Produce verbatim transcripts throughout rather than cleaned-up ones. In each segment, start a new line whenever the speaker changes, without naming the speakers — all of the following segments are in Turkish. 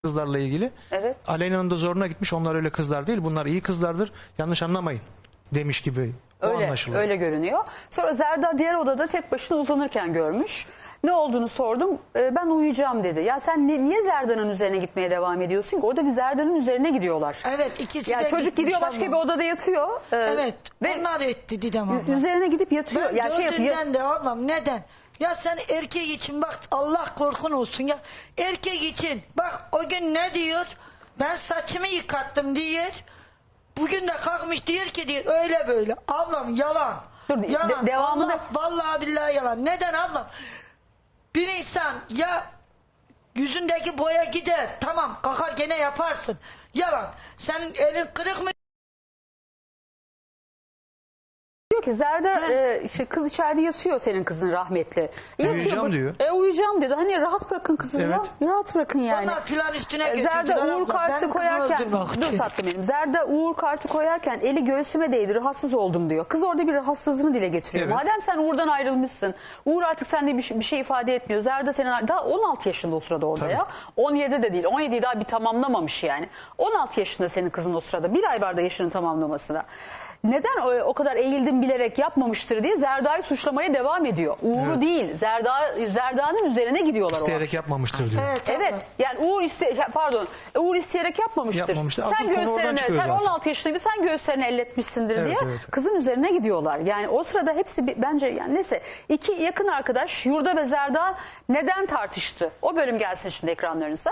kızlarla ilgili.
Evet.
Aleyna'nın da zoruna gitmiş. Onlar öyle kızlar değil. Bunlar iyi kızlardır. Yanlış anlamayın demiş gibi. O
Öyle,
anlaşılıyor.
öyle görünüyor. Sonra Zerda diğer odada tek başına uzanırken görmüş. Ne olduğunu sordum. E, ben uyuyacağım dedi. Ya sen ni- niye Zerda'nın üzerine gitmeye devam ediyorsun ki? Orada bir Zerda'nın üzerine gidiyorlar.
Evet, ikisi
Ya
de
çocuk
gitmiş
gidiyor başka
ablam.
bir odada yatıyor. E,
Evet,
ve
onlar etti Didem abla.
üzerine gidip yatıyor.
Ben
Ya şey yapıyor.
gördüğümden de ablam neden? Ya sen erkek için bak Allah korkun olsun ya. Erkek için bak o gün ne diyor? Ben saçımı yıkattım diyor. Bugün de kalkmış diyor ki diyor öyle böyle. Ablam yalan.
Dur, de-
yalan.
devamını-
Allah, vallahi billahi yalan. Neden ablam? Bir insan ya yüzündeki boya gider. Tamam kalkar gene yaparsın. Yalan. Senin elin kırık mı?
Diyor ki Zerda e, işte kız içeride yatıyor senin kızın rahmetli. Yatıyor,
Uyuyacağım
bu-
diyor.
E uyuyacağım dedi. Hani rahat bırakın kızını
Evet.
ya. Rahat bırakın yani.
Onlar filan üstüne
E,
götürdüler
Zerda Uğur
abla.
kartı
Benim kızımı
koyarken
öldürmek
dur
için.
tatlım benim. Zerda Uğur kartı koyarken eli göğsüme değdi. Rahatsız oldum diyor. Kız orada bir rahatsızlığını dile getiriyor.
Evet.
Madem sen Uğur'dan ayrılmışsın. Uğur artık sende bir, şey- bir şey ifade etmiyor. Zerda senin daha on altı yaşında o sırada orada
Tabii.
ya. on yedi de değil. on yediyi daha bir tamamlamamış yani. on altı yaşında senin kızın o sırada. Bir ay var da yaşını tamamlamasına. Neden o, o kadar eğildim bilerek yapmamıştır diye Zerda'yı suçlamaya devam ediyor. Uğur'u
Evet.
değil. Zerda Zerda'nın üzerine gidiyorlar o
İsteyerek yapmamıştır diyor.
Evet,
Evet
abla.
yani Uğur iste pardon Uğur isteyerek yapmamıştır.
Yapmamıştır. Asıl
Sen
konu oradan
göğüslerine
çıkıyor
sen
zaten.
on altı yaşında bir sen göğüslerini elletmişsindir
Evet,
diye
evet.
kızın üzerine gidiyorlar. Yani o sırada hepsi bir, bence yani neyse iki yakın arkadaş Yurda ve Zerda neden tartıştı? O bölüm gelsin şimdi ekranlarınıza.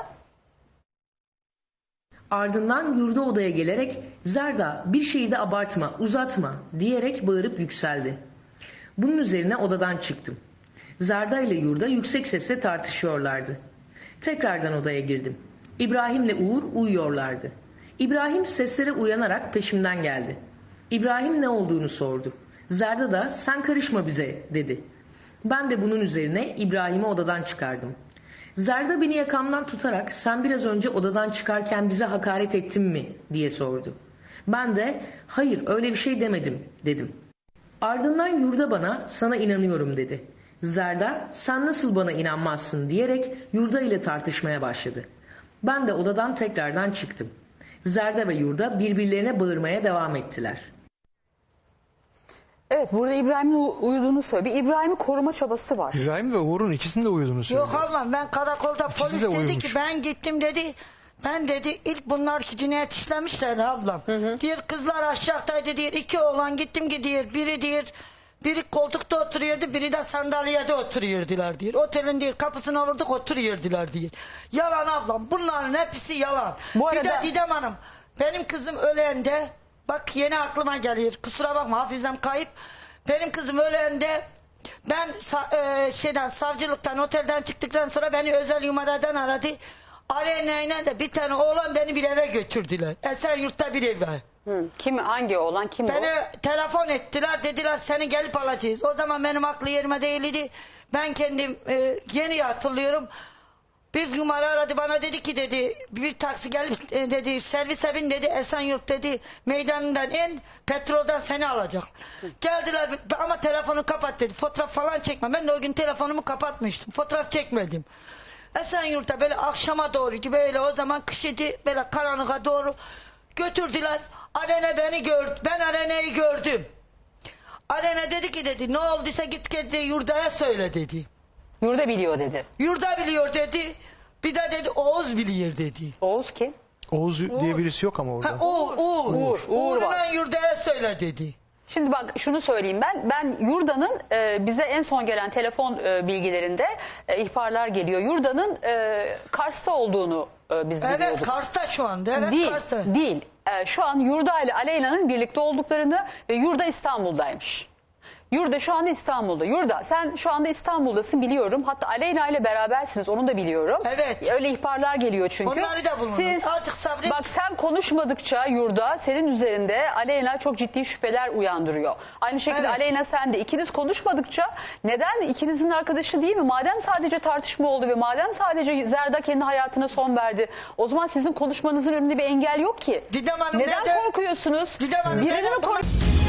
Ardından yurda odaya gelerek Zerda bir şeyi de abartma, uzatma diyerek bağırıp yükseldi. Bunun üzerine odadan çıktım. Zerda ile yurda yüksek sesle tartışıyorlardı. Tekrardan odaya girdim. İbrahim'le Uğur uyuyorlardı. İbrahim seslere uyanarak peşimden geldi. İbrahim ne olduğunu sordu. Zerda da sen karışma bize dedi. Ben de bunun üzerine İbrahim'i odadan çıkardım. Zerda beni yakamdan tutarak sen biraz önce odadan çıkarken bize hakaret ettin mi diye sordu. Ben de hayır öyle bir şey demedim dedim. Ardından yurda bana sana inanıyorum dedi. Zerda sen nasıl bana inanmazsın diyerek yurda ile tartışmaya başladı. Ben de odadan tekrardan çıktım. Zerda ve yurda birbirlerine bağırmaya devam ettiler.
Evet burada İbrahim'in uyuduğunu söylüyor. Bir İbrahim'i koruma çabası var.
İbrahim ve Uğur'un ikisinin de uyuduğunu söylüyor.
Yok ablam ben karakolda
İkisi
polis
de
dedi
uyumuş.
ki ben gittim dedi. Ben dedi ilk bunlar ki cinayet işlemişler ablam. Diğer kızlar aşağıdaydı diyor. İki oğlan gittim ki diyor. Biri diyor. Biri koltukta oturuyordu. Biri de sandalyede oturuyordular diyor. Otelin diyor kapısına vurduk oturuyordular diyor. Yalan ablam. Bunların hepsi yalan.
Bu
Bir
arada-
de Didem Hanım. Benim kızım ölende bak yeni aklıma geliyor. Kusura bakma hafızam kayıp. Benim kızım ölende ben sa- e, şeyden savcılıktan otelden çıktıktan sonra beni özel numaradan aradı. Arenayla da bir tane oğlan beni bir eve götürdüler. Esenyurt'ta bir eve.
Hı. Kim hangi oğlan kim
Beni
o?
telefon ettiler dediler seni gelip alacağız. O zaman benim aklı yerime değildi. Ben kendim e, yeni hatırlıyorum. Bir numara aradı bana dedi ki dedi bir taksi gelip e, dedi servise bin dedi Esenyurt dedi meydanından in petrolden seni alacak. Geldiler ama telefonu kapat dedi fotoğraf falan çekme. Ben de o gün telefonumu kapatmıştım fotoğraf çekmedim. Esenyurt'ta böyle akşama doğruydu böyle o zaman kışıydı böyle karanlığa doğru götürdüler. Arena beni gördü ben Arena'yı gördüm. Arena dedi ki dedi ne olduysa git dedi Yurda'ya söyle dedi.
Yurda biliyor dedi.
Yurda biliyor dedi. Bir de dedi Oğuz biliyor dedi.
Oğuz kim?
Oğuz diye birisi yok ama orada.
Ha, Uğur, Uğur.
Uğur, Uğur
Uğur'la
var.
Yurda'ya söyle dedi.
Şimdi bak şunu söyleyeyim ben. Ben Yurda'nın e, bize en son gelen telefon e, bilgilerinde e, ihbarlar geliyor. Yurda'nın e, Kars'ta olduğunu e, biz
Evet
biliyorduk.
Kars'ta şu anda. Evet
değil,
Kars'ta.
değil. E, şu an Yurda ile Aleyna'nın birlikte olduklarını ve Yurda İstanbul'daymış. Yurda şu anda İstanbul'da. Yurda sen şu anda İstanbul'dasın biliyorum. Hatta Aleyna ile berabersiniz onu da biliyorum.
Evet.
Öyle ihbarlar geliyor çünkü.
Onları da bulunur.
Siz,
Azıcık sabret.
bak sen konuşmadıkça Yurda senin üzerinde Aleyna çok ciddi şüpheler uyandırıyor. Aynı şekilde
Evet.
Aleyna sen de ikiniz konuşmadıkça neden ikinizin arkadaşı değil mi? Madem sadece tartışma oldu ve madem sadece Zerda kendi hayatına son verdi. O zaman sizin konuşmanızın önünde bir engel yok ki.
Didem Hanım
Neden
neden?
korkuyorsunuz?
Didem Hanım
Birini
neden
mi
bunu-
kork-